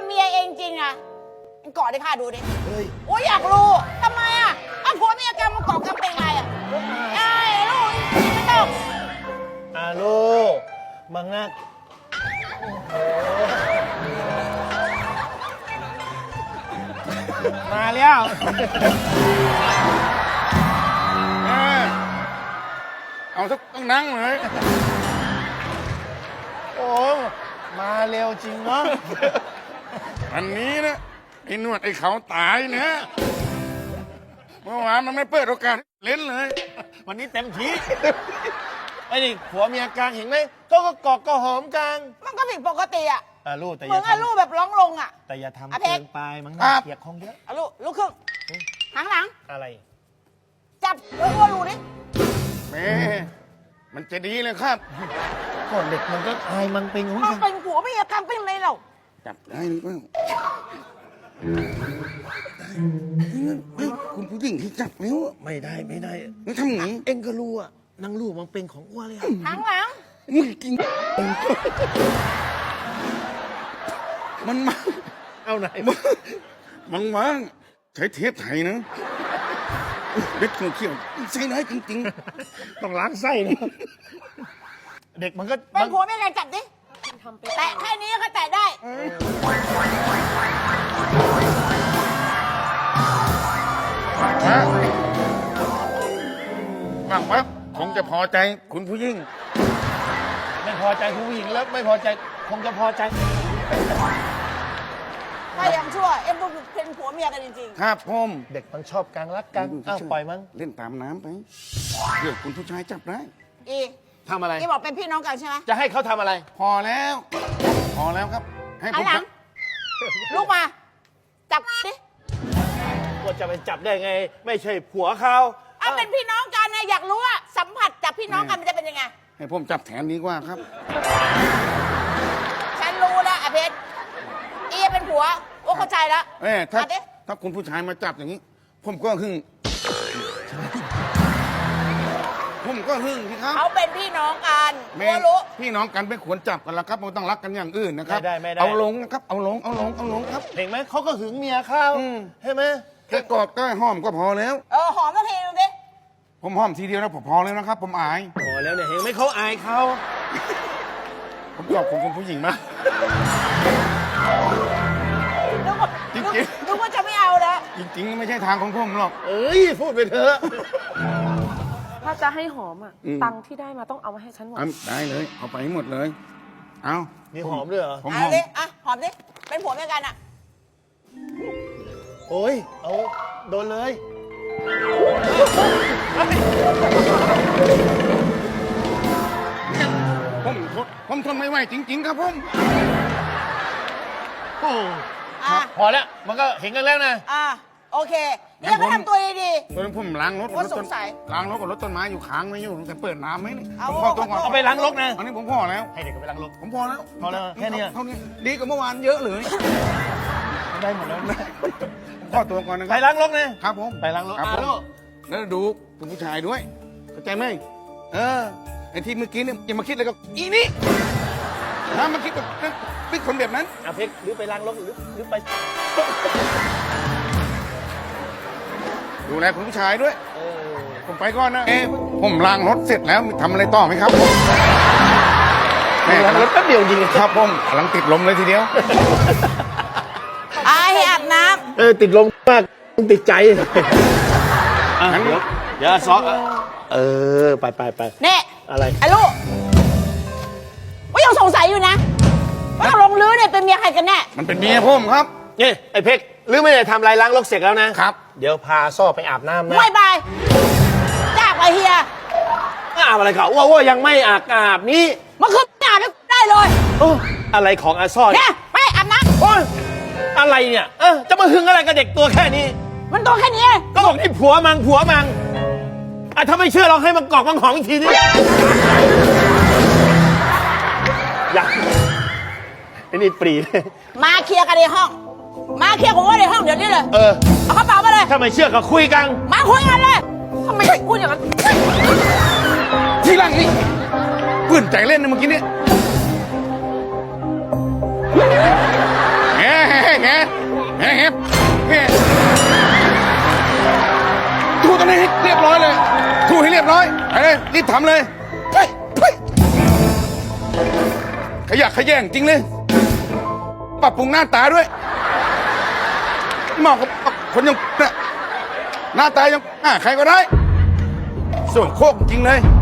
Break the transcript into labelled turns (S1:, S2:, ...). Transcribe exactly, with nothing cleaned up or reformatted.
S1: เมียเองจริงอะกอดให้ข้าดูดิ
S2: เฮ้ย
S1: โอ้ยอยากรู้ทำไมอะอ่ะผัวเมียกันมันกอดกันเป็นไงอะไอ้ลูกไม่ต้อง
S2: อาโลมังนักมาแล้ว
S3: เออเอาสักต้องนั่งเลย
S2: โอ้มาเร็วจริงเนาะ
S3: อันนี้นะไอ้หนวดไอ้เขาตายเนี่ยเมื่อวานมันไม่เปิดโอกาสให้เล่นเลย
S2: วันนี้เต็มที่ไอ้นี่ผัวเมียกลางเห็นไหมก็ก็กอดก็หอมกลาง
S1: มันก็ผิดปกติอะ
S2: อาโลแต่อ
S1: มึ
S2: ย่าง
S1: อะลูก
S2: ทำ
S1: แบบร้องลงอะ
S2: แต่อย่าทำ
S1: อ่ะเพ
S2: เกิ
S1: ชร
S2: นไปมั้ง
S3: ครั
S2: นะ
S3: บ
S2: เกียกคงเยอะ
S1: อ่ะลูกลูกครึ่งหางหลัง
S2: อะไร
S1: จับเออว่าลูกดิ
S3: แม่มันจะดีเลยครับ
S2: ก่อนเด็กมันก็อายมันเป็นของ
S1: มัน
S2: มัน
S1: เป็นผัวเมียกันเป็นไรเรา
S3: จับได้หรือเปล่าเฮ้ยคุณผู้หญิงที่จับนิ้วอะ
S2: ไม่ได้ไม่ได้
S3: มันทำอย่างนี้
S2: เอ็งก็รู้อะนางลูกมันเป็นของอ้วนเลยอะ
S1: หางหลัง
S3: มึงกินมันมา
S2: เอาไหน
S3: มังมังใช้เทปไทยนะเล็ดเขียวๆใช้ได้จริง
S2: ต้องล้างไส้นะเด็กมันก็
S1: เป็น
S2: มัน
S1: ผัวเมียกันจับดิแตะแค่นี้ก็แตะได้
S3: ๆนะบางว่าคงจะพอใจคุณผู้หญิง
S2: ไม่พอใจผู้หญิงแล้วไม่พอใจคงจะพอใจ
S1: ถ้ายังชั่วเอ็มเป็นผัวเมียกันจริง
S3: ครับผม
S2: เด็กมันชอบกลางรักกันอ้าวปล่อยมัน
S3: เล่นตามน้ำไปเดี๋ยวคุณผู้ชายจับได้
S1: ๆ อี
S2: ทำอะไร
S1: อีบอกเป็นพี่น้องกันใช่ไหม
S2: จะให้เขาทำอะไร
S3: พอแล้ว พอแล้วครับ ให้
S1: หั
S3: ผ
S1: น
S3: ม
S1: หลั
S3: จั
S1: ง
S3: บ
S1: ลูกมา จับดิ
S2: ว่าจะไปจับได้ไง ไม่ใช่ผัวเขา
S1: เอาเป็นพี่น้องกันนะอยากรู้ว่าสัมผัสจับพี่น้องกันมันจะเป็นยังไง
S3: ให้ผมจับแทนดีกว่าครับ
S1: ฉันรู้แล้วอะเพชรอีเป็นผัวโอ้เข้าใจแล้ว
S3: เอ้ยถ้า
S1: อ่ะดิ
S3: ถ้าคุณผู้ชายมาจับอย่างนี้ ผมก็หึ่งผมก็หึ่งพี่ครับ
S1: เขาเป็นพี่น้องกัน
S3: แม่
S1: รู้รู้
S3: พี่น้องกันไม่ควรจับกันแล้วครับมันต้องรักกันอย่างอื่นนะครับ
S2: ไม่ได้ไม่ได้
S3: เอาลงนะครับ เอาลง เอาลง เอาลงครับ
S2: เห็นไหมเขาก็หึงเมียเขา
S3: อืม
S2: ใช่ไหม
S3: แค่กอดก็หอมก็พอแล้ว
S1: เออหอมสักทีนึงดิ
S3: ผมหอมทีเดียวนะผมพอแล้วนะครับ ผมอาย
S2: พอแล้วเนี่ยเห็นไหมเขาอายเขา
S3: ผมชอบคุณผู้หญิงมาก
S1: นึกว่า
S3: จริงๆ
S1: นึกนึกว่าจะไม่เอาแล้ว
S3: จริงๆ ไม่ใช่ทางของผมหรอก
S2: เอ้ยพูดไปเถอะ
S4: ถ้าจะให้หอมอ่ะ
S3: อืม
S4: ตังค์ที่ได้มาต้องเอามาให้ฉันหมด
S3: เอาได้เลย เอาไปให้หมดเลย เอา
S2: มีหอมด้วยเหรอ
S3: ผมห
S1: เอา
S3: อม
S1: ดิอ่ะหอมดิเป็นผัวเมียกันอ่ะ
S2: โอ้ยเอาโดนเลย
S3: ผมทนผมทนไม่ไหวจริง ๆ ครับผม
S2: โอ้
S1: อ่ะ
S2: พอแล้วมันก็เห็นกันแล้วนะ
S1: อ่ะโอเคนี่เราก็ทำตัวดี
S3: ตอนนั้นผมล้างรถ
S1: โอ้
S3: รถต้น
S1: สงสัย
S3: ล้างรถกับรถต้นไม้อยู่ค้างไม่อยู่แต่เปิดน้ำไหมนี่
S1: เอา
S3: ผมพอตัวก่อน
S2: เอาไปล้างรถนะ
S3: อันนี้ผมพอแล้ว
S2: ให้เด็กไปล้างรถ
S3: ผมพอแล้ว
S2: พอแล้วแค่เนี้ย
S3: เท่านี้ดีกว่าเมื่อวานเยอะเลย
S2: ได้หมดแล้ว
S3: ผมขอตัวก่อนนะค
S2: ไป
S3: รับ
S2: ล้างรถนะ
S3: ครับผม
S2: ไปล้างรถ
S3: ครับ
S2: อ่ะ
S3: ผม
S2: ลูก
S3: แล้วดูคุณผู้ชายด้วยเข้าใจไหมเออไอ้ที่เมื่อกี้เนี่ยอย่ามาคิดเลยกับอีนี่ถ้ามาคิดกับปิ๊กคนแบบนั้น
S2: อ่ะเพชรหรือไปล้างรถหรือหรือไป
S3: ดูแลคุณผู้ชายด้วย
S2: เออ
S3: ผมไปก่อนนะ เอ๊ะผมล้างรถเสร็จแล้วทำอะไรต่อไหมครับผมแม่
S2: ล้างรถแป๊บเดียวจริง
S3: ครับผมกำลังติดลมเลยทีเดียว
S1: ๆอ่ะให้อาบน้
S2: เออติดลมมากติดใจอ่ะ
S3: งั้น
S2: เดี๋ยวเดี๋ยวซอเออไปไปไป
S1: ำเนี่ย
S2: อะไร
S1: ไอ้ลูกว่ายังสงสัยอยู่นะว่าตกลงลื้อเนี่ยเป็นเมียใครกันแน่
S3: มันเป็นเมียผมครับ
S2: นี่ไอ้เพชรหรือไม่ได้ทำอะไรล้างรถเสร็จแล้วนะครับ เดี๋ยวพาซ่อไปอาบน้ำนะ
S1: ไม่ไปจ้าไปเฮีย
S2: อาบอะไรเขาว่าว่ายังไม่อาบอาบนี้
S1: มันคืออาบได้เลย
S2: โอ้อะไรของอาซ่อ
S1: เนี่ยไปอาบน้
S2: โอ้ยอะไรเนี่ยเออจะมาหึงอะไรกับเด็กตัวแค่นี้
S1: ำมันตัวแค่นี้
S2: ก็บอกนี่ผัวมังผัวมังอ่ะถ้าไม่เชื่อลองให้มันกรอกมังหอมอีกทีนี่อยากไอ้นี่ปรีเลย
S1: มาเคลียร์กันในห้อง มาเคลียร์ผมว่าในห้องเดี๋ยวนี้เลย
S2: เออ
S1: เอากระเป๋ามาเลย
S2: ถ้าไม่เชื่อก็คุยกัน
S1: มาคุยกันเลยทำไมพูดอย่างนั้น
S3: ทีหลังนี่ปืนใจเล่นนะเมื่อกี้เนี่ยแหมเรียบร้อยเลยถูให้เรียบร้อยไปเลยรีบทำเลยไปไปขยะขยแยงจริงเลยปรับปรุงหน้าตาด้วยเหมาะกับคนอยังเนี่ยหน้าตายังอ่าใครก็ได้ ส่วนโคกจริงเลย